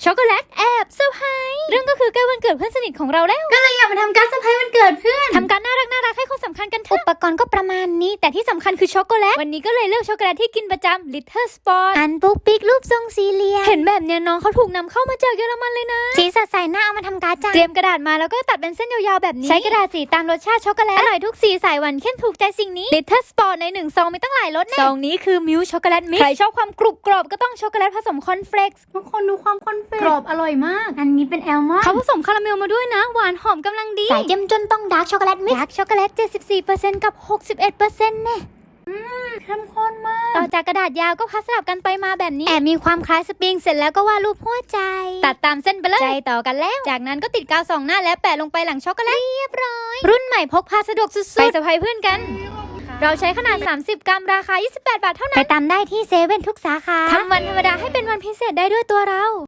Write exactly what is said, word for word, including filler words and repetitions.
ช็อกโกแลตแอบเซอร์ไพรส์เรื่องก็คือใกล้วันเกิดเพื่อนสนิทของเราแล้วก็เลยอยากมาทำการเซอร์ไพรส์วันเกิดเพื่อนทำการน่ารักน่ารักให้คนสำคัญกันเถอะอุปกรณ์ก็ประมาณนี้แต่ที่สำคัญคือช็อกโกแลตวันนี้ก็เลยเลือกช็อกโกแลตที่กินประจำ Little Spot อันปุ๊กปิ๊กรูปทรงสี่เหลี่ยมเห็นแบบเนี้ยน้องเขาถูกนำเข้ามาจากเยอรมันเลยนะสีสดใสน่าเอามาทำการ์ดจ้ะเตรียมกระดาษมาแล้วก็ตัดเป็นเส้นยาวๆแบบนี้ใช้กระดาษสีตามรสชาติช็อกโกแลตอร่อยทุกสีสายหวานเข้มถูกใจสิ่งนี้ Little Spot ในหนึ่งซองมีตั้งหลายรสแน่ซองนี้คือมิลช็อกโกแลตมิกซ์ใครชอบความกรุบกรอบก็ต้องช็อกโกแลตผสมคอนเฟลกซ์ทุกคนดูความคอนเฟลกซ์กรอบอร่อยมากอันนี้เป็นแอลมอนด์เขาผสมคาราเมลมาด้วยนะหวานหอมกำลังดีสายเจ้มจนต้องดาร์กช็อกโกแลตมิกซ์ดาร์กช็อกโกแลต เจ็ดสิบสี่เปอร์เซ็นต์ กับ หกสิบเอ็ดเปอร์เซ็นต์ แน่เข้มข้นมากต่อจากกระดาษยาวก็พัสลับกันไปมาแบบนี้แอบมีความคล้ายสปริงเสร็จแล้วก็วาดรูปหัวใจตัดตามเส้นไปเลยใจต่อกันแล้วจากนั้นก็ติดกาวสองหน้าและแปะลงไปหลังช็อกโกแลตเรียบร้อยรุ่นใหม่พกพาสะดวกสุดๆไปเซอร์ไพรส์เพื่อนกันเราใช้ขนาดสามสิบกรัมราคายี่สิบแปดบาทเท่านั้นไปตามได้ที่เซเว่นทุกสาขาทำวันธรรมดาให้เป็นวันพิเศษได้ด้วยตัวเรา